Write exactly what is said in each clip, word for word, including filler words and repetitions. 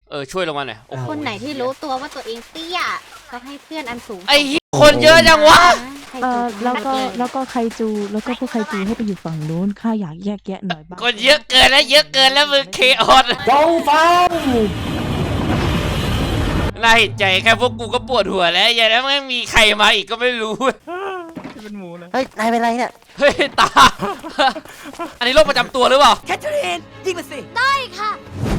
เออช่วยลงมาหน่อยคนไหนที่รู้ตัวว่าตัวเองเตี้ยก็ให้เพื่อนอันสูงไอ้คนเยอะจังวะเออแล้วก็แล้วก็ไคจูแล้วก็พวกไคจูให้ไปอยู่ฝั่งนู้นข้าอยากแยกแยะหน่อยบ้างคนเยอะเกินแล้วเยอะเกินแล้วมึงเคออสจงฟังน่าเห็นใจแค่พวกกูก็ปวดหัวแล้วอย่างนั้นไม่มีใครมาอีกก็ไม่รู้เป็นหมูเลยเฮ้ยนายเป็นไรเนี่ยเฮ้ยตาอันนี้โรคประจำตัวหรือเปล่าแคทเธอรีนยิงมาสิได้ค่ะ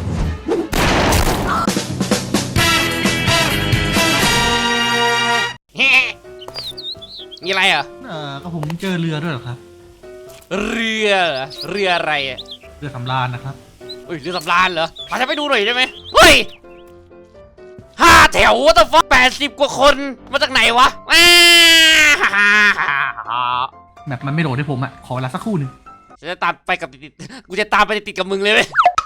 มีอะไรอ่ะเออก็ผมเจอเรือด้วยเหรอครับเรือเรืออะไรอ่ะเรือสำราญนะครับเฮ้ยเรือสำราญเหรอพาฉันไปดูหน่อยได้ไหมเฮ้ยห้าแถววัตถุฟ้าแปดสิบกว่าคนมาจากไหนวะแมปมันไม่โหลดให้ผมอ่ะขอเวลาสักครู่หนึ่งฉันจะตามไปกับติดๆกูจะตามไปติดๆกับมึงเลยเว้ย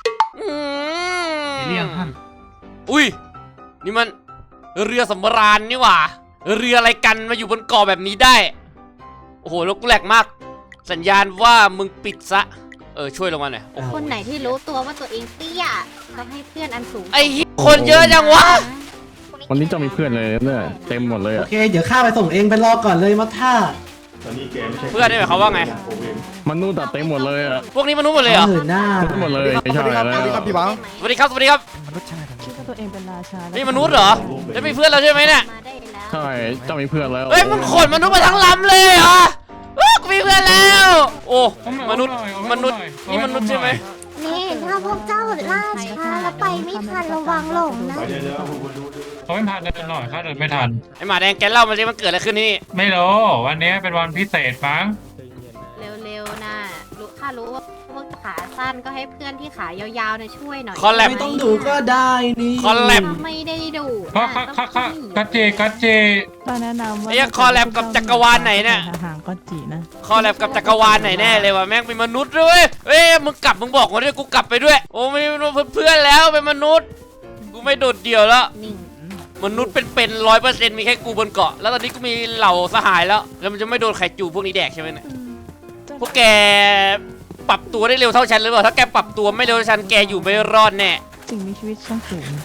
เรียงท่านอุ้ยนี่มันเรือสำราญนี่หว่าเรืออะไรกันมาอยู่บนเกาะแบบนี้ได้โอ้โหแล้วกูแหลกมากสัญญาณว่ามึงปิดซะเออช่วยลงมาหน่อยคนไหนที่รู้ตัวว่าตัวเองเตี้ยก็ให้เพื่อนอันสูงไอ้คนเยอะจังวะวันนี้จะมีเพื่อนเลยเนี่ยเต็มหมดเลยโอเคเดี๋ยวข้าไปส่งเองไปรอก่อนเลยมัทท่าเพื่อนนี่หมายความว่าไงมนุษย์เต็มหมดเลยอ่ะพวกนี้มนุษย์หมดเลยเหรอหน้ามนุษย์หมดเลยไม่ใช่แล้วสวัสดีครับพี่บังสวัสดีครับสวัสดีครับมนุษย์ใช่ไหมคิดว่าตัวเองเป็นราชานี่มนุษย์เหรอจะมีเพื่อนเราใช่ไหมเนี่ยใช่จะมีเพื่อนแล้วเฮ้ยมึงขนมนุษย์มาทั้งลำเลยเหรอกูมีเพื่อนแล้วโอ้มนุษย์มนุษย์นี่มนุษย์ใช่ไหมนี่ถ้าพวกเจ้าล่าช้าแล้วไปไม่ทันระวังหลงนะเขาไม่พาเดินหน่อยข้าเดินไม่ทันไอหมาแดงแกเล่ามาสิมันเกิดอะไรขึ้นนี่ไม่รู้วันนี้เป็นวันพิเศษมั้งเร็วๆนะรู้ข้ารู้ว่าพวกขาสั้นก็ให้เพื่อนที่ขายาวๆเนี่ยช่วยหน่อยคอลแลบไม่ต้องดูก็ได้นี่คอลแลบไม่ได้ดูเพราะค่ะค่ะค่ะกัจเจกัจเจตอนแนะนำว่าไอ้คอลแลบกับจักรวาลไหนเนี่ยห่างก็จีนะคอลแลบกับจักรวาลไหนแน่เลยว่ะแม่งเป็นมนุษย์ด้วยเอ้ยมึงกลับมึงบอกมาด้วยกูกลับไปด้วยโอ้ไม่เพื่อนแล้วเป็นมนุษย์กูไม่โดดเดี่ยวแล้วมนุษย์เป็นๆร้อยเปอร์เซ็นต์มีแค่กูบนเกาะแล้วตอนนี้กูมีเหล่าสหายแล้วแล้วมันจะไม่โดนไข่จูพวกนี้แดกใช่ไหมเนี่ยพวกแกปรับตัวได้เร็วเท่าฉันหรือเปล่าถ้าแกปรับตัวไม่เร็วเท่าฉันแกอยู่ไม่รอดแน่สิ่งมีชีวิตชั้นสูง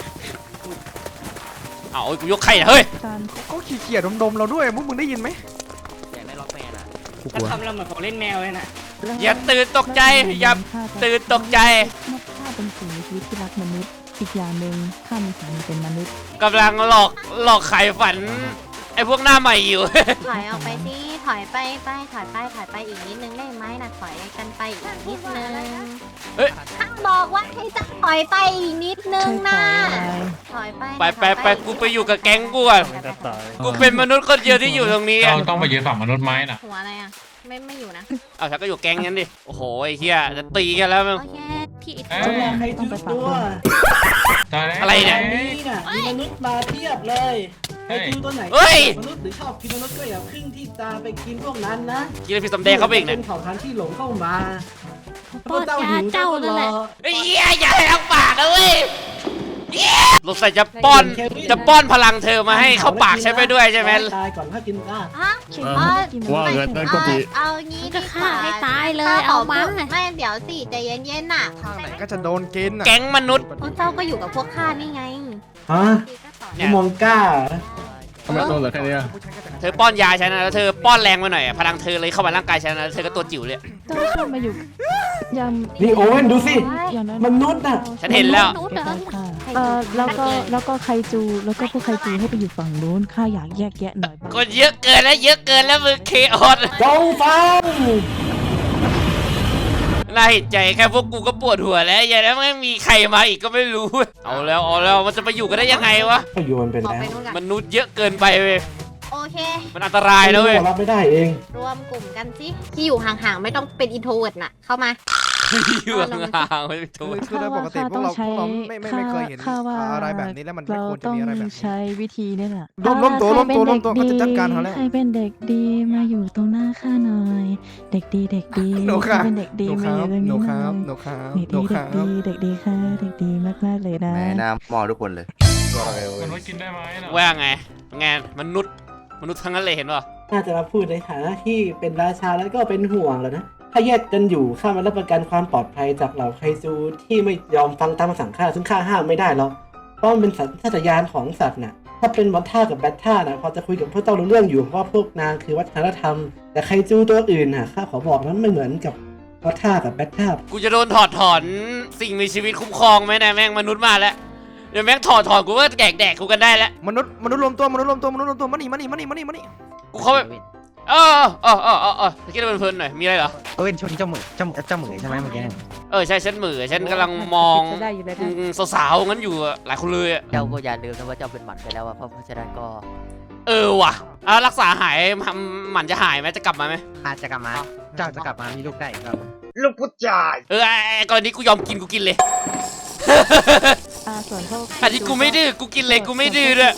เอากูยกไข่เฮ้ยก็ขี้เกียจดมๆเราด้วยมึงมึงได้ยินไหมอยากได้ล็อกแมนอ่ะถ้าทำเราเหมือนของเล่นแมวเลยนะอย่าตื่นตกใจอย่าตื่นตกใจนกข้าเป็นสิ่งมีชีวิตที่รักมนุษย์อีกอย่างหนึ่งข้ามีฝันเป็นมนุษย์กำลังหลอกหลอกไข่ฝันไอ้พวกหน้าใหม่อยู่ถอยออกไปสิถอยไปไปถอยไปถอยไปอีกนิดนึงได้ไหมนะถอยกันไปอีกนิดนึงเฮ้ยข้าบอกว่าให้จะถอยไปอีกนิดนึงนะถอยไปไปไปไปกูไปอยู่กับแก๊งกูก่อนกูเป็นมนุษย์คนเดียวที่อยู่ตรงนี้เราต้องไปยืนฝั่งมนุษย์ไหมน่ะหัวอะไรอ่ะไม่ไม่อยู่นะเอาฉันก็อยู่แก๊งนั้นดิโอ้โหไอ้เหี้ยจะตีกันแล้วมึงโอเคพี่อิทให้ต้องไปตัวอะไรเนี่ยมีมนุษย์มาเทียบเลยไอ้คิวตัวไหนมนุษย์หรือชอบกินมนุษย์ก็อย่าพึ่งที่ตาไปกินพวกนั้นนะกินพี่สมแดงเข้าไปอีกเนี่ยเป็นเผ่าพันธุ์ที่หลงเข้ามาพวกเจ้าหิวเจ้านั่นแหละไอ้เหี้ยอย่าให้ทั้งปากเลยลงใส่จะป้อนจะป้อนพลังเธอมาให้เข้าปากใช่ไหมด้วยใช่ไหมตายก่อนถ้ากินได้ว่าเงินนั่นก็ดีเอางี้ดีกว่าให้ตายเลยเอามาไม่เดี๋ยวสิใจเย็นๆน่ะทางไหนก็จะโดนกินแก๊งมนุษย์พวกเจ้าก็อยู่กับพวกข้านี่ไงฮะมองก้าทำไมตัวเหลือแค่นี้เธอป้อนยาฉันนะแล้วเธอป้อนแรงมาหน่อยพลังเธอเลยเข้ามาร่างกายฉันนะเธอก็ตัวจิ๋วเลยต้องเข้ามาอยู่ยังนี่โอเว่นดูสิมนุษย์อ่ะฉันเห็นแล้วเออแล้วก็แล้วก็ไคจูแล้วก็พวกไคจูให้ไปอยู่ฝั่งนู้นข้าอยากแยกแยะหน่อยบ้างคนเยอะเกินแล้วเยอะเกินแล้วมึงเคออสจงฟังน่าเห็นใจแค่พวกกูก็ปวดหัวแล้วอย่างนั้นไม่มีใครมาอีกก็ไม่รู้เอาแล้วเอาแล้วมันจะไปอยู่กันได้ยังไงวะก็อยู่มันเป็นแล้วมนุษย์เยอะเกินไปเว้ยโอเคมันอันตรายนะเว้ยรับไม่ได้เองรวมกลุ่มกันสิที่อยู่ห่างๆไม่ต้องเป็นอินโทรเวิร์ดน่ะเข้ามาอยู่ห่างๆไม่เป็นโทษคือโดยปกติพวกเราพวกเราไม่ไม่ไม่เคยเห็นอะไรแบบนี้แล้วมันไม่ควรจะมีอะไรแบบนี้ใช้วิธีนี่แหละล้มล้มตัวล้มตัวล้มตัวเขาจะจัดการเขาแล้วใครเป็นเด็กดีมาอยู่ตรงหน้าข้าหน่อยเด็กดีเด็กดีใครเป็นเด็กดีมาอยู่ตรงนี้หน่อยหนูครับเด็กดีเด็กดีเด็กดีค่ะเด็กดีมากๆเลยนะแม่น้ำมอทุกคนเลยมนุษย์กินได้ไหมว่าไงไงมนุษย์มนุษย์ทั้งนั้นเลยเห็นป่ะน่าจะมาพูดในฐานะที่เป็นราชาแล้วก็เป็นห่วงแล้วนะถ้าแยกกันอยู่ข้ามารับประกันความปลอดภัยจากเหล่าไคจูที่ไม่ยอมฟังตามคำสั่งข้าซึ่งข้าห้ามไม่ได้หรอกเพราะมันเป็นสัญชาตญาณของสัตว์น่ะถ้าเป็นมอนท่ากับแบทท่านะพอจะคุยกับพวกเจ้ารู้เรื่องอยู่เพราะว่าพวกนางคือวัฒนธรรมแต่ไคจูตัวอื่นน่ะข้าขอบอกนั้นไม่เหมือนกับมอนท่ากับแบทท่ากูจะโดนถอดถอนสิ่งมีชีวิตคุ้มครองไหมนะแม่งมนุษย์มาแล้วเดี๋ยวแม่งถอดถอนกูก็แดกแดกกูกันได้แล้วมนุษย์มนุษย์รวมตัวมนุษย์รวมตัวมนุษย์รวมตัวมานี่มานี่มานี่มานี่มานี่กูเข้าไปเออเออเออเออเออคิดว่าเพลินๆหน่อยมีอะไรเหรอเอ้ยชนเจ้าหมึกเจ้าเจ้าหมึกใช่ไหมเมื่อกี้เออใช่ฉันเหมือฉันกำลังมองอืมสาวๆงั้นอยู่อะหลายคนเลยอะเจ้าก็อย่าลืมนะว่าเจ้าเป็นหมันไปแล้วอะเพราะฉะนั้นก็เออว่ะอ่ะรักษาหายหมันจะหายไหมจะกลับมาไหมอาจจะกลับมาเจ้าจะกลับมามีลูกได้ครับเออไอ้ไอ้กรณีกูยอมกินกูกินเลยอ่าส่วนพวกอันนี้กูไม่ดื้อกูกินเลยกูไม่ดื้อด้วย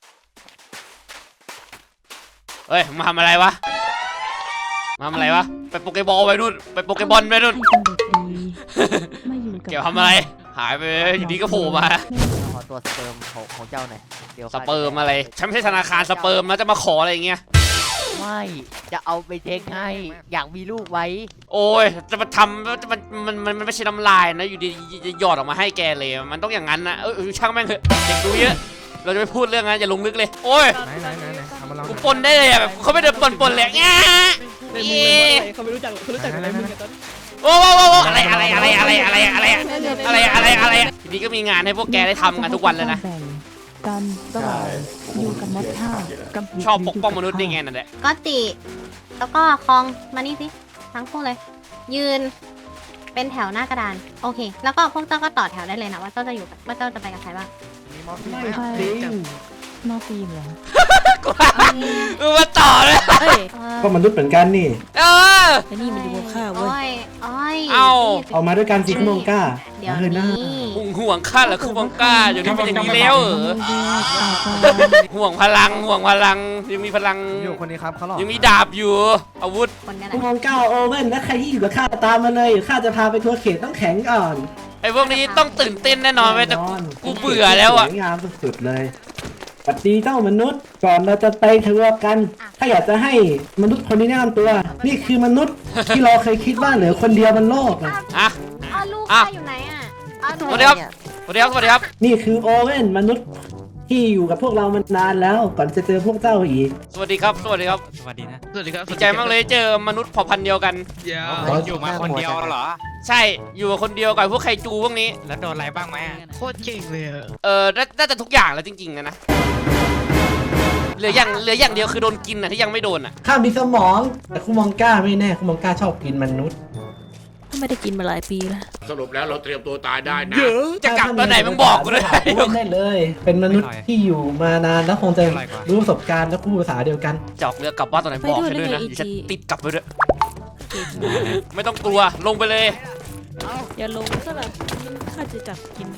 เฮ้ยมาทำอะไรวะมาทำอะไรวะไปโปเกบอลไปนู่นไปโปเกบอลไปนู่นให้เป็นเด็กดีมาอยู่กับเกี่ยวทำอะไรหายไปอยู่ดีก็โผล่มาขอตัวสเปิร์มของของเจ้าหน่อยเดี๋ยวสเปิร์มอะไรฉันไม่ใช่ธนาคารสเปิร์มนะจะมาขออะไรอย่างเงี้ยไม่จะเอาไปเทคให้อยากมีลูกไว้โอ้ยจะมาทำมันมันมันมันไม่ใช่น้ำลายนะอยู่ดีจะหยอดออกมาให้แกเลยมันต้องอย่างนั้นนะเออช่างแม่งเถอะเด็กดูเยอะเราจะไม่พูดเรื่องนั้นอย่าลงลึกเลยโอ้ยไหนไหนไหนไหนเอามาลองกูปนได้เลยอ่ะแบบเขาไม่ได้ปนปนเลยง่าเขาไม่รู้จักเขารู้จักอะไรมึงกันตอนโอ้โหอะไรอะไรอะไรอะไรอะไรอะไรอะไรอะไรอะไรทีนี้ก็มีงานให้พวกแกได้ทำกันทุกวันเลยนะแบ่งกันระหว่างอยู่กับมดท่ากับชอบปกป้องมนุษย์ได้ไงนั่นแหละก็ติแล้วก็คองมานี่สิทั้งคู่เลย ยืนเป็นแถวหน้ากระดาน โอเค แล้วก็พวกเจ้าก็ต่อแถวได้เลยนะว่าเจ้าจะอยู่กับว่าเจ้าจะไปกับใครบ้างไม่จริงนอกฟิล์มเหรอกูมึงมาต่อเลยเอ้ยก็มนุษย์เหมือนกันนี่เออไอ้นี่มันดูข้าวเว้ยโอ้ยโอ้ยเอ้าเอามาด้วยกันสิคุณมงก้าเดี๋ยวเฮ้ยหน้านี้ห่วงห่วงข้าเหรอคือบังก้าอยู่นี่เป็นอย่างนี้แล้วเหรอห่วงพลังห่วงพลังยังมีพลังอยู่คนนี้ครับเขาหลอกยังมีดาบอยู่อาวุธคนนี้แหคุละณมงก้าโอเว่นและใครที่อยู่กับข้าตามมาเลยข้าจะพาไปทัวร์เขตต้องแข็งก่อนไอ้พวกนี้ต้องตื่นเต้นแน่นอนเว้ยแต่แน่นอนกูเบื่อแล้วอ่ะสวยงามสุดๆเลยสวัสดีเจ้ามนุษย์ก่อนเราจะไปทัวร์กันข้าอยากจะให้มนุษย์คนนี้แนะนำตัว นี่คือมนุษย์ที่เราเคยคิดว่าเหลือคนเดียวบนโลกอะอ่ะอ้าวลูกอ่ะข้าอยู่ไหนอ่ะอ้าวสวัสดีครับสวัสดีครับสวัสดีครับนี่คือโอเว่นมนุษย์ที่อยู่กับพวกเรามานานแล้วก่อนจะเจอพวกเจ้าอีกสวัสดีครับสวัสดีครับสวัสดีนะสวัสดีครับดีใจมากเลยเจอมนุษย์เผ่าพันธุ์เดียวกันเดี๋ยวอ๋ออยู่มาคนเดียวเหรอใช่อยู่กับคนเดียวกับพวกไคจูพวกนี้แล้วโดนอะไรบ้างไหมอะโคตรเก่งเลยอะเออน่าน่าจะทุกอย่างแล้วจริงๆนะนะเหลืออย่างเหลืออย่างเดียวคือโดนกินอ่ะที่ยังไม่โดนอ่ะข้ามีสมอง แต่คุณมองก้าไม่แน่คุณมองก้าชอบกินมนุษย์ไม่ได้กินมาหลายปีแล้วสรุปแล้วเราเตรียมตัวตายได้นะจะกลับตอนไหนมึงบอกกูด้วยโอเว่นได้เลย เป็นมนุษย์ที่อยู่มานานแล้วคงจะรู้ประสบการณ์และพูดภาษาเดียวกันจะออกเรือกลับบ้านตอนไหนบอกฉันด้วยนะไปด้วยได้ไงเดี๋ยวฉันอีจีติดกลับไปด้วยไม่ต้องกลัวลงไปเลยอย่าลงซะแบบข้าจะจับกินให้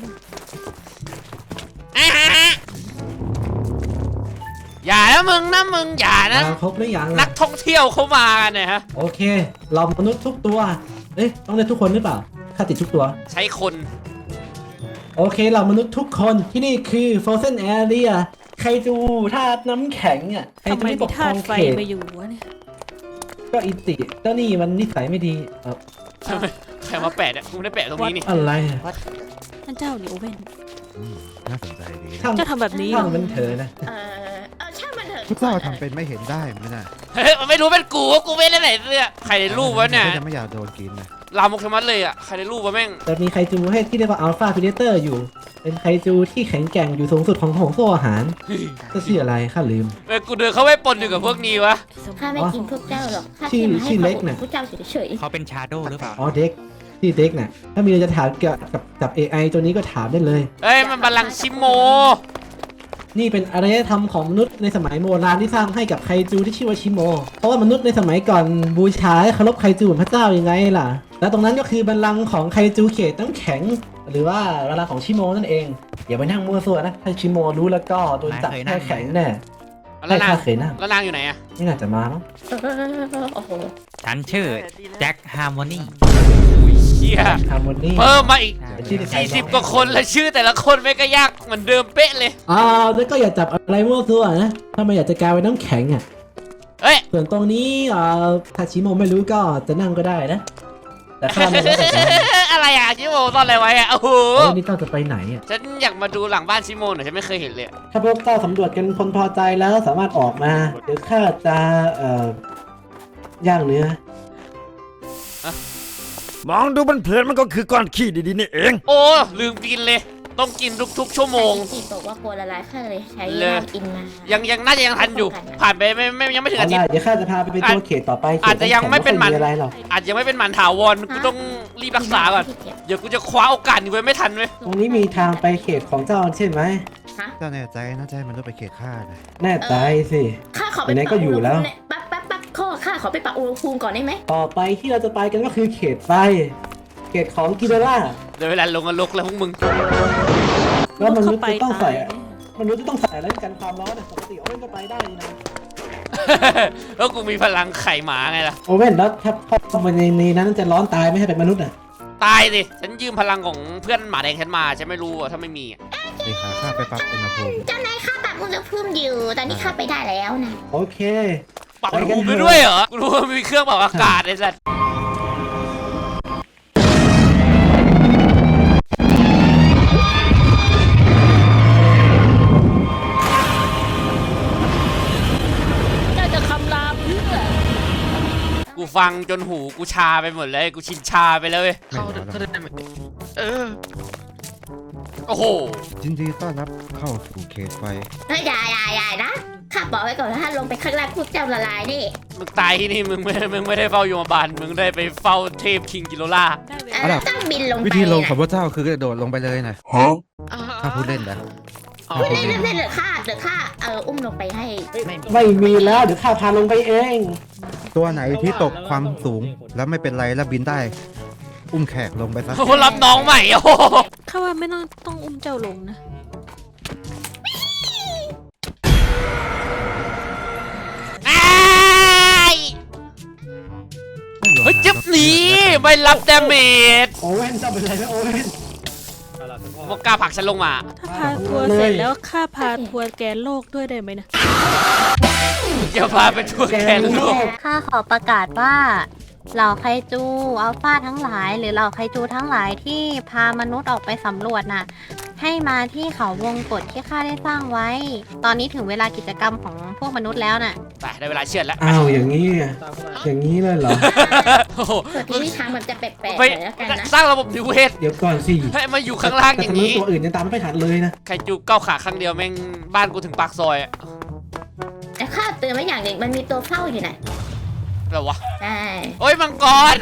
อย่านะมึงนะมึงอย่านะมาครบหรือยังนัล่ะกท่องเที่ยวเขามากันเนี่ยฮะโอเค เรามนุษย์ทุกตัว เอ๊ะต้องเรียกทุกคนหรือเปล่าข้าติดทุกตัวใช้คนโอเค เรามนุษย์ทุกคนที่นี่คือ Frozen Area ใครจูธาตุน้ำแข็งอ่ะใครทำจูไมที่ปมีกครธาองตุไฟเขตมาอยู่วะเนี่ยก็อิติเจ้านี่มันนิสัยไม่ดีเออใครมาแปะเนี่ยกูไม่ได้แปะตรงนี้นี่อะไรอะท่านเจ้าเนี่ยโอเว่นน่าสนใจดีช่างเจ้าทำแบบนี้เหรช่าองมันเถอะนะเออเออช่างมันเถอะพวกเจ้าทำเป็นไม่เห็นได้ไหมน่ะเฮ้ยมันไม่รู้เป็นกูว่ากูไม่ได้ไหนเสื้อใครในรูปวะเนี่ยจะไม่อยากโดนกินนะลามกชะมัดเลยอ่ะใครในรูปวะแม่งแต่มีไคจูให้ที่เรียกว่าอัลฟา p ิเดเตอร์อยู่ เป็นไคจูที่แข็งแกร่งอยู่สูงสุดของของโซ่อาหารก็ชื่ออะไรข้าลืมเออกูเดินเข้าไปปนอยู่กับพวกนี้วะข้าไม่กินพวกเจ้าหรอกข้าชื่อแค่มาให้ชื่อควาเล็มกอบอุ่น่ะนพวกเจ้าเฉยเขาเป็นชาโดหรือเปล่าอ๋อเด็กที่เด็กน่ะถ้ามีอะไรจะถามเกี่ยวกับกับ เอ ไอ ตัวนี้ก็ถามได้เลยเอ้ยมันบัลลังก์ชิโมนี่เป็นอารยธรรมของมนุษย์ในสมัยโบราณที่สร้างให้กับไคจูที่ชื่อว่าชิโม เพราะว่ามนุษย์ในสมัยก่อนบูชาและเคารพไคจูเหมือนพระเจ้ายังไงล่ะ และตรงนั้นก็คือบัลลังก์ของไคจูเขตน้ำแข็ง หรือว่าบัลลังก์ของชิโมนั่นเอง อย่าไปนั่งมั่วซั่วนะ ถ้าชิโมรู้แล้วก็โดนจับแค่แข็งแน่แล้วใช่นางข้าเคยนั่งแล้วนางอยู่ไหนอ่ะไม่น่าจะมามั้งๆเออโอ้โหฉันชื่อแจ็คฮาร์โมนีอุ้ยเชี่ยฮาร์โมนีเพิ่มมาอีกชื่อเด็กชายสี่สิบกว่าคนแล้วชื่อแต่ละคนไม่ก็ยากเหมือนเดิมเป๊ะเลยอ่าแล้วก็อย่าจับอะไรมั่วซั่วนะ ถ้าไม่อยากจะกลายเป็นน้ำแข็งอ่ะเฮ้ยส่วนตรงนี้เอ่อถ้าชิโมไม่รู้ก็จะนั่งก็ได้นะ แต่ข้าไม่รู้แต่จะอะไรอ่ะชิโมซ่อนอะไรไว้อ่ะโอ้โหโอ้ยนี่เจ้าจะไปไหนอ่ะฉันอยากมาดูหลังบ้านชิโมหน่อยฉันไม่เคยเห็นเลยถ้าพวกเจ้าสำรวจกันพลพอใจแล้วสามารถออกมา เดี๋ยวข้าจะเอ่อย่างเนื้อมองดูมันเพลินมันก็คือก้อนขี้ดีๆนี่เองโอ้ลืมกินเลย ต้องกินทุกๆชั่วโมงที่บอกว่ากลัวละลายข้าเลยใช้เลยน้ำอินมายังยังน่าจะยังทันอยู่ ผ่านไปไม่ไม่ยังไม่ถึงเอาอาทิตได้ย์เดี๋ยวข้าจะพาไปเป็นตัวเขตต่อไปเขตอาจจะยังไม่เป็นหมันไอะไรหรอกอาจจะยังไม่เป็นหมันถาวรกูต้องรีบรักษาก่อน เดี๋ยวกูจะคว้าโอกาสนี้ไว้ไม่ทันเว้ยตรงนี้มีทางไปเขตของเจ้าใช่ไหมเจ้าแน่ใจนะใจมันต้องไปเขตข้านะแน่ใจสิข้าขอไปไหนๆก็อยู่แล้วแป๊บแป๊บแป๊บข้อข้าขอไปปรับอุณหภูมิก่อนได้ไหมต่อไปที่เราจะไปกันก็คือเขตไฟ เขตของกิโดล่าเดี๋ยวเวลาลงนรกแล้วพวกมึงแล้วมนุษย์จะต้องใส่มนุษย์จะต้องใส่อะไรกันความร้อนอะปกติโอเว่นก็ไปได้นี่นะแล้วกูมีพลังไข่หมาไงล่ะโอเว่นแล้วถ้าเข้าไปในนี้นั้นจะร้อนตายไม่ให้เป็นมนุษย์อ่ะตายสิ ฉันยืมพลังของเพื่อนหมาแดงฉันมา ฉันไม่รู้อะถ้าไม่มีอะเดี๋ยวขาข้าไปปรับอุณหภูมิเจ้านายข้าปรับอุณหภูมิอยู่ตอนนี้ข้าไปได้แล้วนะโอเคปรับอุณหภูมิไปด้วยเหรอ กูรู้ว่ามีเครื่องปรับอากาศไอ้สัสกูฟังจนหูกูชาไปหมดเลย กูชินชาไปแล้วเว้ยไม่ร้อนหรอกเออ โอ้โหยินดีต้อนรับเข้าสู่เขตไฟเฮ้ยอย่าอย่าอย่านะข้าบอกไว้ก่อนว่าถ้าลงไปข้างล่างพวกเจ้าละลายนี่มึงตายที่นี่มึงไม่ มึงไม่ได้เฝ้าโยมบาลมึงได้ไปเฝ้าเทพคิงกิโลล่าเออแล้วต้องบินลงไปวิธีลงนะของพระเจ้าคือกระโดดลงไปเลยนะถ้าพูดเล่นนะพูดเล่นเล่นเล่นเหรือข้าเหรือข้าเอออุ้มลงไปให้ไม่มีแล้วเดี๋ยวข้าพาลงไปเองตัวไหนที่ตกความสูงแล้วไม่เป็นไรแล้วบินได้ อุ้มแขกลงไปซะโอ้โหรับน้องใหม่โอ้โหข้าว่าไม่ต้องต้องอุ้มเจ้าลงนะอ้ายเฮ้ยจิ๊บหนีไม่รับดาเมจโอเว่นเจ้าเป็นไรไหมโอเว่นมกล้าผลักฉันลงมาถ้าพาทัวร์เสร็จแล้วข้าพาทัวร์แกนโลกด้วยได้ไหมนะอย่าพาไปทั่วแกนโลกข้าขอประกาศว่าเหล่าไคจูอัลฟาทั้งหลาย หรือเหล่าไคจูทั้งหลายที่พามนุษย์ออกไปสำรวจน่ะ ให้มาที่เขาวงกฏที่ข้าได้สร้างไว้ ตอนนี้ถึงเวลากิจกรรมของพวกมนุษย์แล้วน่ะไปได้เวลาเชือดแล้วอ้าวอย่างนี้อะอย่างนี้เลยเหรอโอ้โหส่วนที่ทางมันจะแปลกๆไปหน่อยแล้วกันนะสร้างระบบนิเวศเดี๋ยวก่อนสิให้มาอยู่ข้างล่างอย่างนี้นี้ตัวอื่นยังตามไม่ทันเลยนะใครจูก้าวขาข้างเดียวแม่งบ้านกูถึงปากซอยอะแต่ข้าเตือนไว้อย่างหนึ่งมันมีตัวเฝ้าอยู่น่ะอะไรวะใช่โอ้ยมังกร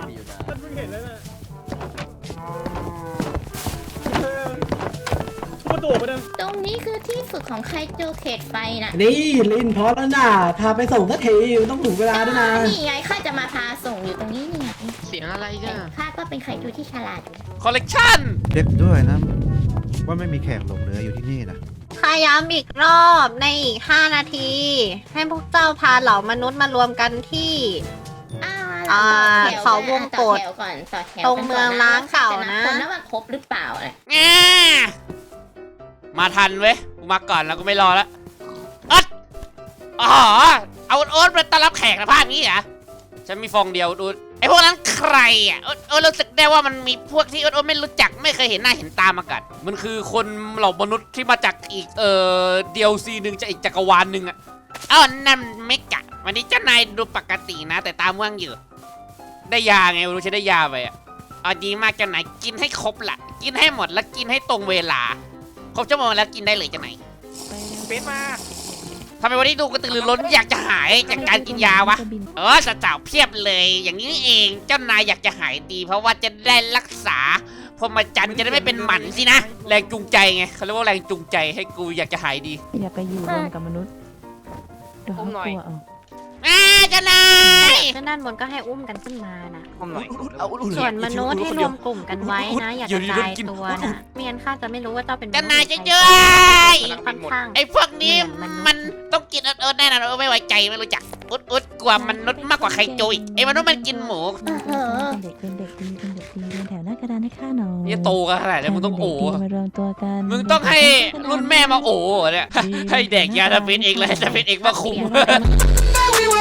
ตรงนี้คือที่ฝึกของไคจูเขตไฟน่ะนี่ลินพอแล้วนะพาไปส่งสักทีต้องถูกเวลาด้วยนะนี่ไงข้าจะมาพาส่งอยู่ตรงนี้นี่ไงเสียงอะไรแต่ข้าก็เป็นไคจูที่ฉลาดอยู่คอลเลกชันเช็คด้วยนะ ว่าไม่มีแขกหลงเหลืออยู่ที่นี่นะข้าย้ำอีกรอบในอีกห้านาที ให้พวกเจ้าพาเหล่ามนุษย์มารวมกันที่อ่าอ่าต่อแถวเขาวงกฏต่อแถวก่อนต่อแถวตรงเมืองล้างเก่านะคนนั้นว่าครบหรือเปล่าเนี่ยแง่มาทันเว้ย กูมาก่อนแล้วก็ไม่รอแล้วอ๊ดอ๋อ เอาโอ๊ตมาต้อนรับแขกนะภาพนี้เหรอ ฉันมีฟองเดียวดู ไอพวกนั้นใครอ่ะโอ๊ตโอ๊ตรู้สึกได้ว่ามันมีพวกที่โอ๊ตโอ๊ตไม่รู้จักไม่เคยเห็นหน้าเห็นตามาก่อนมันคือคนเหล่ามนุษย์ที่มาจากอีกเอ่อเดียวซีหนึ่งจากอีกจักรวาลหนึ่งอ่ะอ้าวนั่นเมกะวันนี้เจ้านายดูปกตินะ แต่ตาม่วงอยู่ ได้ยาไงไม่รู้ฉันได้ยาไปอ่ะเอาดีมากเจ้านายกินให้ครบละกินให้หมดแล้วกินให้ตรงเวลาครบชั่วโมงแล้วกินได้เลยเจ้านายเฟซมาทำไมวันนี้ดูกระตือรือร้นอยากจะหายจากการกินยาวะเออสาวๆเพียบเลย อย่างนี้เองเจ้านายอยากจะหายดี เพราะว่าจะได้รักษาพรหมจรรย์จะได้ไม่เป็นหมันสินะแรงจูงใจไงเขาเรียกว่าแรงจูงใจให้กูอยากจะหายดีอย่าไปอยู่รวมกับมนุษย์เดี๋ยวเขากลัวเอาอ่าเจ้านายซึ่งด้านบนก็ให้อุ้มกันขึ้นมานะผมหน่อยส่วนมนุษย์ให้รวมกลุ่มกันไว้นะ อย่ากระจายตัวนะไม่งั้นข้าจะไม่รู้ว่าเจ้าเป็นมนุษย์เจ้านายจะเจอค่อนข้างไอ้พวกนี้มันต้องกินเอิร์ดๆแน่นอนเออไม่ไว้ใจไม่รู้จักอุดอุดกว่ามนุษย์มากกว่าใครจุยไอ้มนุษย์มันกินหมูเออเป็นเด็กเป็นเด็กดีเป็นเด็กดีเป็นแถวหน้ากระดานให้ข้าหน่อยนี่โตกันขนาดนี้มึงต้องโอ้เป็นเด็กดีมารวมตัวกันมึงต้องให้รุ่นแม่มาโอ้เนี่ยให้เด็กยาจะเป็นเองเลยจะเป็นเองมาคุมเดี๋ยวเราไป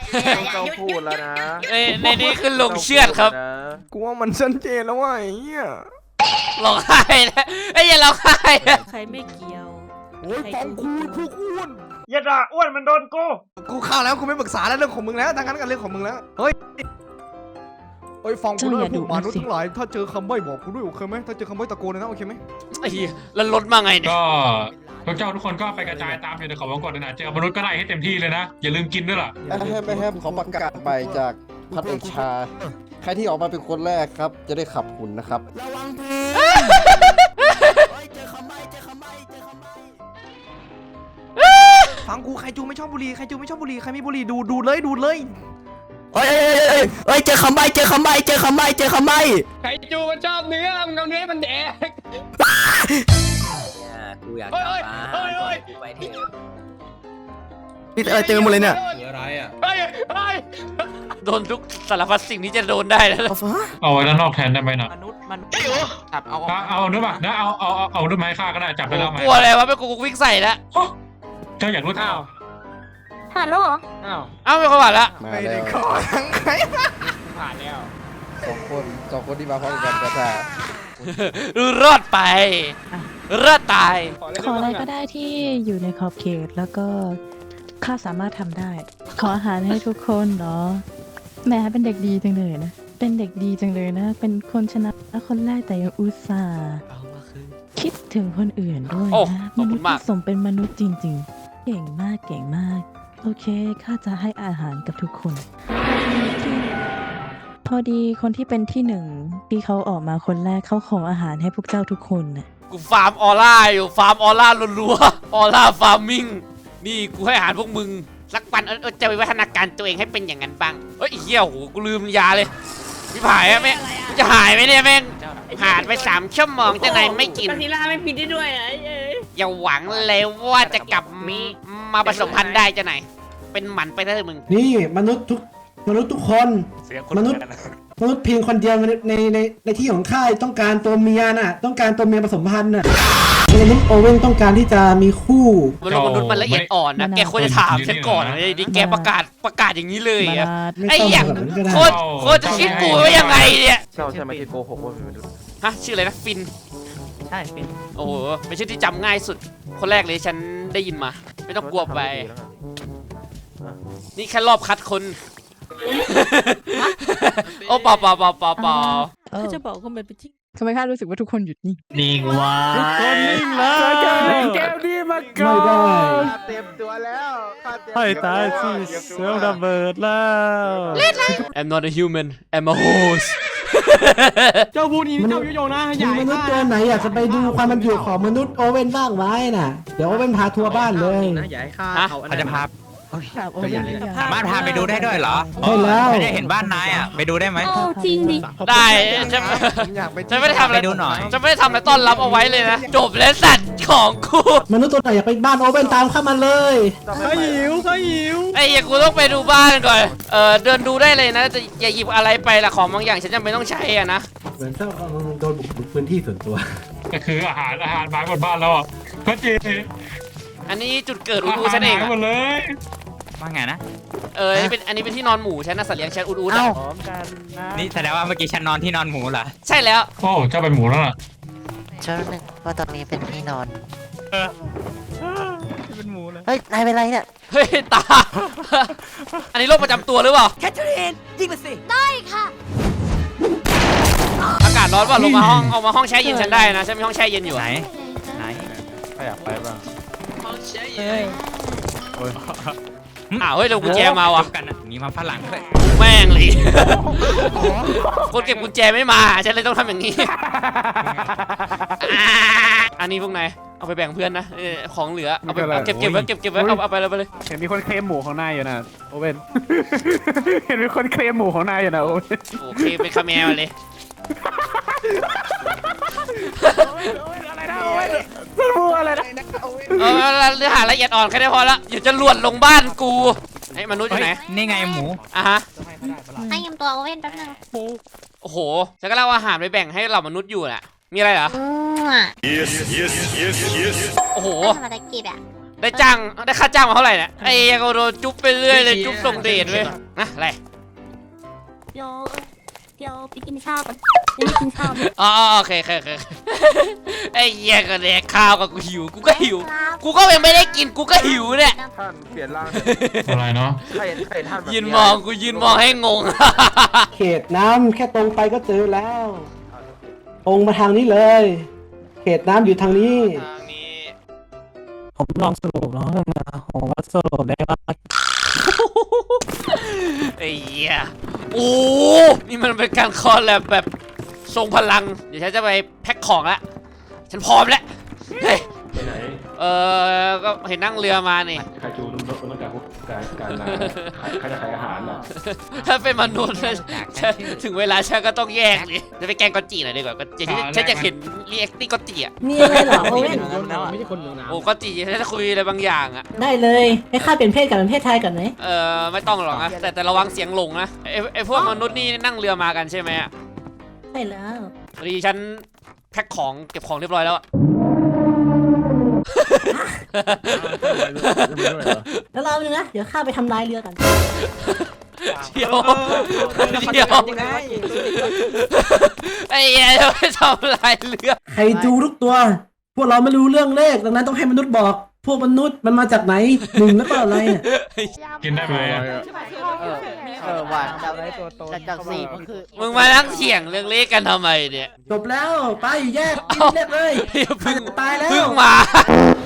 ต้องพูดแล้วนะในในนี้คือลงเชือดครับกูว่ามันชัดเจนแล้วว่าไอ้เหี้ยร้องไห้นะไอ้ยอย่าร้องไห้นะใครไม่เกี่ยวโอ้ยฟองคูณพวกอ้วนอย่าด่าอ้วนมันโดนกูกูเข้าแล้วกูไม่ปรึกษาแล้วเรื่องของมึงแล้วทั้งนั้นกันเรื่องของมึงแล้วเฮ้ยเฮ้ยฟังกูด้วยพวกมนุษย์ทั้งหลายถ้าเจอคำใบ้บอกกูด้วยโอเคไหมถ้าเจอคำใบ้ตะโกนเลยนะโอเคไหมไอ้เหี้ยแล้วรถมาไงเนี่ยก็พวกเจ้าทุกคนก็ไปกระจายตามอยู่ในเขาวงกตนะเจอมนุษย์ก็ไล่ให้เต็มที่เลยนะอย่าลืมกินด้วยล่ะแฮมแฮมขอประกาศไปจากพัดเอกชา ใครที่ออกมาเป็นคนแรกครับ จะได้ขับหุ่นนะครับระวังเพลเจอคำใบ้เจอคำใบ้เจอคำใบ้ฟังกูใครจูไม่ชอบบุหรี่ใครจูไม่ชอบบุหรี่ใครมีบุหรี่ดูดูเลยดูเลยเฮ้ยเฮ้ยเฮ้ยเฮ้ยเจอคำใบ้เจอคำใบ้เจอคำใบ้เจอคำใบ้ใครจูมันชอบเนื้อมึงเอาเนื้อมันแดกกูอยากกลับบ้านกูไปเถอะนี่อะไรเจอหมดเลยเนี่ยอะไรอ่ะเฮ้ยเฮ้ยโดนทุกสารพัดสิ่งที่จะโดนได้แล้วเอาฟ้าเอาไว้ด้านนอกแทนได้ไหมนะมนุษย์มันครับเอาเอาเอาด้วยป่ะนะเอาเอาเอาเอาด้วยไม้ฆ่าก็ได้จับไปแล้วไหมกลัวอะไรวะไม่กลัวกูวิ่งใส่แล้วเจ้าอยากรู้เท่าฮัลโหลอ้าวเอ้าไม่คนผ่านละมาไม่แล้ได้วขอทั้งใครผ่านแล้วสองคนสองคนที่มาพร้อมกันกระจายรอดไปรอดตายขออะไรก็ได้ที่อยู่ในขอบเขตแล้วก็ข้าสามารถทำได้ ขออาหารให้ทุกคนเนาะแหม่เป็นเด็กดีจังเลยนะ เป็นเด็กดีจังเลยนะ เป็นคนชนะคนแรกแต่ยังอุตส่าห์คิดถึงคนอื่นด้วยโอ้นะขอบมคุนุณษย์มากที่สมเป็นมนุษย์จริง ๆ เก่งมากเก่งมาก โอเคข้าจะให้อาหารกับทุกคน พอดีคนที่เป็นที่หนึ่งที่เขาออกมาคนแรกเขาขออาหารให้พวกเจ้าทุกคนน่ะกูฟาร์มออร่าอยู่ฟาร์มออร่ารัวๆออร่าฟาร์มิงนี่กูให้อาหารพวกมึงสักวันเออจะไปวัฒนาการตัวเองให้เป็นอย่างนั้นบ้างเฮ้ยไอ้เหี้ยโหกูลืมยาเลยพี่ผายอะแม่งกูจะหายไหมเนี่ยแม่งผ่านไปสามชั่วโมงจะไหนไม่กินกาทิล่าไม่ปิดได้ด้วยนะอย่าหวังเลยว่าจะกลับมีมาผสมพันธุ์ได้จะไหน เป็นหมันไปได้มึงนี่มนุษย์ทุกมนุษย์ทุกคน มนุษย์มนุษย์เพียงคนเดียวในในในในที่ของข้าต้องการตัวเมียน่ะ ต้องการตัวเมียผสมพันธุ์น่ะมนุษย์โอเว่นต้องการที่จะมีคู่มนุษย์มนุษย์มันละเอียดอ่อนนะแกควรจะถามฉันก่อนนะดิแกประกาศประกาศอย่างนี้เลยมาอะลาดไม่ไอ้ต้องเหี้ยแบบนั้นก็ได้โคตรโคตรจะคิดกูไว้ยังไงเนี่ยเจ้าใช่ไหมที่โกหกว่าเป็นมนุษย์ฮะชื่ออะไรนะฟินใช่เป็นโอ้โหเป็นชื่อที่จำง่ายสุด คนแรกเลยฉันได้ยินมา ไม่ต้องกลัวไป นี่แค่รอบคัดคน โอ้เปล่าเปล่าเปล่าเปล่าเปล่าถ้าจะบอกว่ามันเป็นที่ทำไมข้ารู้สึกว่าทุกคนหยุดนิ่งนิ่งไว้คนนิ่งแล้วแก้วนี้มาก่อไม่ได้นเต็มตัวแล้วข้าเต็มให้ตายสิเสือระเบิดแล้ว I'm not a human I'm a horse เจ้าพูดนี้เจ้าโยโย่นะอย่ามีให้มนุษย์ข้าตัวไหนอยากจะไปดูความมันอยู่ของมนุษย์โอเว่นบ้างไหมน่ะ เดี๋ยวโอเว่นพาทัวร์บ้านเลยอย่าให้ข้าฮะเอาอันเขาจะนั้นพาครับโอ้ยอย่าสามารถพาไปดูได้ด้วยเหรอใช่แล้วไม่ได้เห็นบ้านนายอ่ะ ไปดูได้ไหมโอ้จริงดิได้ฉันผมอยากไปฉันไม่ได้ทำอะไรไปดูหน่อยฉันไม่ได้ทำอะไรต้อนรับเอาไว้เลยนะ จบแล้วสัตว์ของกูมนุษย์ตัวไหนอยากไปบ้านโอเว่นตามเข้ามาเลยเขาหิวเขาหิวไอ้เหี้ยกูต้องไปดูบ้านก่อน เออเดินดูได้เลยนะแต่อย่าหยิบอะไรไปละของบางอย่างฉันจำเป็นต้องใช้อะนะเหมือนเจ้ากำลังโดนบุกรุกพื้นที่ส่วนตัวก็คืออาหารอาหารหมาหมดบ้านแล้วอ่ะก็เจอันนี้จุดเกิดอูอาดูหารฉันเองหายอะหมดเลยว่าไงนะเอออันนี้เป็นอันนี้เป็นที่นอนหมูฉันนะสัตว์เลี้ยงฉันอูดูอะนี่แสดงว่าเมื่อกี้ฉันนอนที่นอนหมูเหรอใช่แล้วโอ้เจ้าเป็นหมูแล้วล่ะเชื่อหนึ่งว่าตอนนี้เป็นที่นอนเป็นหมูเลยเฮ้ย นายเป็นไรเนี่ยเฮ้ยตา อันนี้โรคประจำตัวหรือเปล่าแคทเธอรีนยิงมาสิอากาศร้อนว่าลงมาห้องเอามาห้องแช่เย็นฉันได้นะฉันมีห้องแช่เย็นอยู่ไหนอะไหนถ้าอยากไปบ้างเฮ้ยอ้าวเฮ้ยเดี๋ยวกุญแจมาว่ะกันนะมีมาฝรั่งด้วยแม่งเลย คนเก็บกุญแจไม่มาฉันเลยต้องทำอย่างนี้ อ่าอันนี้พวกนายเอาไปแบ่งเพื่อนนะเออของเหลือเอาไปเอาเก็บเก็บไว้เก็บเก็บไว้เอาเอาไปเลยไปเลยเห็นมีคนเคลมหมูของนายอยู่นะโอเว่น เห็นมีคนเคลมหมูของนายอยู่นะโอเว่นโอเคเป็นคาเมลเลยอะไรนะโอเว่นมันหมูอะไรนะเออเนื้อหาละเอียดอ่อนแค่นี้พอละอย่าจะหลวนลงบ้านกูไอ้มนุษย์อยู่ไหนนี่ไงหมูอ่ะฮะให้ยืมตัวโอเว่นแป๊บนึงโอ้โหฉันก็เล่าอาหารไปแบ่งให้เหล่ามนุษย์อยู่น่ะมีอะไรเหรออืมโอ้โหทำอะไรกินอ่ะได้จ้างได้ค่าจ้างมาเท่าไหร่เนี่ยไอ้เหี้ยก็โดนจุ๊บไปเรื่อยเลยจุ๊บส่งเดชเว้ยนะอะไรเดี๋ยวเดี๋ยวไปกินข้าวก่อนไม่ได้กินข้าวอ๋อโอเคโอเคโอเคไอ้เหี้ยก็แดกข้าวกับกูหิวกูก็หิวกูก็ยังไม่ได้กินกูก็หิวเนี่ยท่านเปลี่ยนร่างอะไรเนาะใครใครท่านแบบยืนมองกูยืนมองให้งงเขตน้ำแค่ตรงไปก็เจอแล้ว ตรงมาทางนี้เลย เขตน้ำอยู่ทางนี้ทางนี้ผมลองสรุปแล้วนะผมว่าสรุปได้ว่าไอ้เหี้ยโอ้นี่มันเป็นการคอลแลบแบบทรงพลังเดี๋ยวฉันจะไปแพ็คของละฉันพร้อมแล้วเฮ้ยเออก็เห็นนั่งเรือมานี่ใครจูนรถต้องการพวกการการใครจะขายอาหารน่ะถ้าเป็นมนุษย์นะฉันถึงเวลาฉันก็ต้องแยกเลยจะไปแกล้งกอตจีหน่อยดีกว่าก็จีฉันจะเห็นรีแอคติ้งกอตจีอ่ะมีอะไรเหรอโอเว่นไม่ใช่คนเมืองน้ำโอ้กอตจีฉันจะคุยอะไรบางอย่างอ่ะได้เลยให้ข้าเป็นเพศกับเป็นเพศชายก่อนไหมเออไม่ต้องหรอกนะแต่แต่ระวังเสียงหลงนะไอไอพวกมนุษย์นี่นั่งเรือมากันใช่ไหมอ่ะใช่แล้วพอดีฉันแพ็คของเก็บของเรียบร้อยแล้วอะแล้วรอหนึงนะเดี๋ยวข้าไปทำลายเรือกันเดี๋ยวเดี๋ยวไอ้เหี้ยจะไปทำลายเรือไคจูทุกตัว พวกเราไม่รู้เรื่องเลขดังนั้นต้องให้มนุษย์บอก พวกมนุษย์มันมาจากไหนหนึ่งแล้วก็อะไรเนี่ยกินได้ไหมอะเออเออว่าจากจากจากสี่มันคือมึงมานั่งเถียงเรื่องเลขกันทำไมเนี่ยจบแล้วไปแยกกินเรียกเลยเพิ่งตายแล้วเพิ่งมา